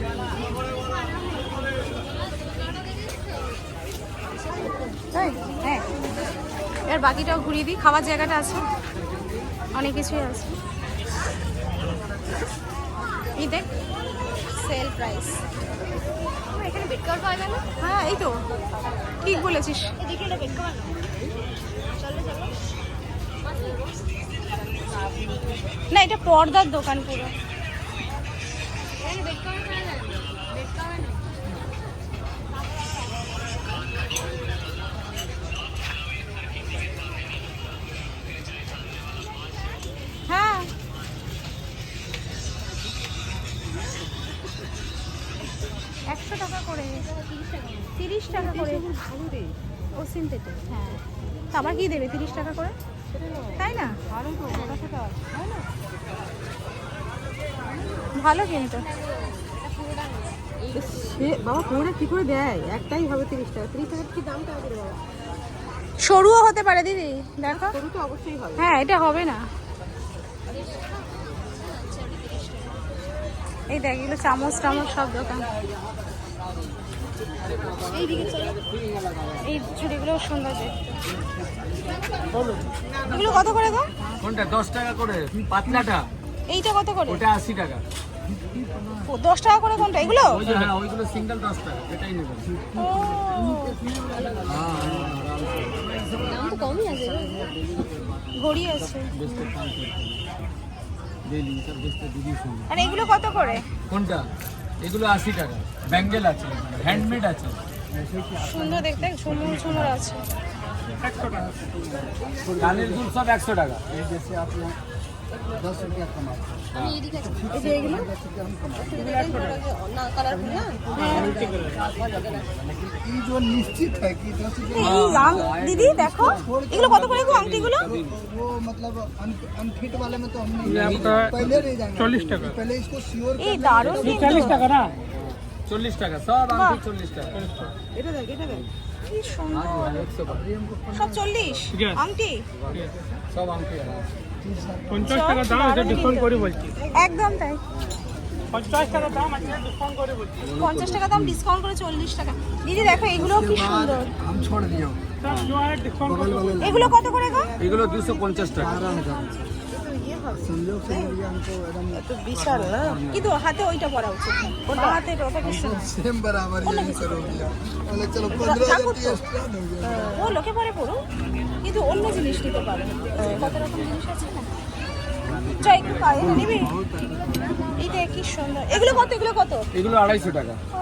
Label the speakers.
Speaker 1: হ্যাঁ, এর বাকিটাও ঘুরিয়ে দিই। খাওয়ার জায়গাটা আছে, অনেক কিছুই আছে। এই দেখ, সেল প্রাইস। এখানে বেড কভার পাওয়া যায় না? হ্যাঁ, এই তো ঠিক বলেছিস। এদিকে এটা বেড কভার না? চলো চলো। না, এটা পর্দার দোকান পুরো। এখানে বেড কভার পাওয়া যায় না? বেড কভার নেই। হ্যাঁ, $100 করে, 30 টাকা করে। ও সিনথেটিক। হ্যাঁ, তা আবার কি দেবে 30 টাকা করে? তাই না? ভালো কিন্তু।
Speaker 2: বাবা কোনটা কি করে দেয়? একটাই হবে 30 টাকা। 30 টাকা কি দামটা হবে বাবা?
Speaker 1: সরুও হতে পারে দিদি, দেখো।
Speaker 2: সরু তো অবশ্যই হবে।
Speaker 1: হ্যাঁ, এটা হবে না। এই দেখ, এগুলো চামচ টামচ সব দোকান। এই ছুরিগুলো সুন্দর দেখতে। এগুলো কত করে গো?
Speaker 3: কোনটা 10 টাকা করে? পাতলাটা
Speaker 1: এইটা কত করে?
Speaker 3: ওটা 80 টাকা।
Speaker 1: 10 টাকা করে কোনটা? এগুলো?
Speaker 3: ওই যে হ্যাঁ, ওইগুলো সিঙ্গেল 10 টাকা, এটাই নেবেন।
Speaker 1: ও,
Speaker 2: দাম তো কমই আছে।
Speaker 1: ঘড়ি আছে।
Speaker 3: বেস্টের কাম করতে ডেইলি সব বেস্টের দিদি শুনুন।
Speaker 1: আর এগুলো কত করে?
Speaker 3: কোনটা? এগুলো 80 টাকা। ব্যাঙ্গেল আছে, হ্যান্ডমেড আছে।
Speaker 1: সুন্দর দেখতে, ঝুমুর ঝুমুর আছে।
Speaker 3: কানের দুল সব 100 টাকা।
Speaker 4: निश्चित है कि
Speaker 1: দিদি দেখো, এগুলো কত করে গো আংটিগুলো?
Speaker 4: वो मतलब अनफिट वाले में तो हम नहीं पहले नहीं जाएंगे। 40 টাকা पहले इसको श्योर
Speaker 1: এই দারুণ কিন্তু।
Speaker 3: 40 টাকা না? 40 টাকা সব আংটি 40 টাকা।
Speaker 2: এটা দেখ, এটা দেখ।
Speaker 1: কি সুন্দর।
Speaker 3: 100 টাকা।
Speaker 1: সব 40 আংটি?
Speaker 3: সব আংটি আছে।
Speaker 1: 50 টাকা দাম, এটা ডিসকাউন্ট করে বলছি। একদম তাই। 50 টাকা দাম আছে, ডিসকাউন্ট করে বলছি। 50 টাকা দাম, ডিসকাউন্ট করে 40 টাকা। দিদি দেখো, এগুলো কি সুন্দর।
Speaker 4: हम छोड़ दिए बगल वाले
Speaker 1: এগুলো কত করে গো?
Speaker 3: এগুলো 250 টাকা।
Speaker 4: संजोग से मिल हमको एकदम
Speaker 2: তো বিশাল না?
Speaker 1: কিন্তু হাতে ওইটা পরা উচিত। ওটা হাতে ওটা কি সুন্দর।
Speaker 4: सेम बराबर यही करो भैया। बोले चलो 15,000 एक्स्ट्रा दोगे।
Speaker 1: ও লোকে পরে পড়ো, কিন্তু অন্য জিনিস নিতে পারো। কত রকম জিনিস আছে না? চাই একটু পায়ে নিবি? এইটা কি সুন্দর। এগুলো কত? এগুলো কত?
Speaker 3: এগুলো 250 টাকা।
Speaker 1: ও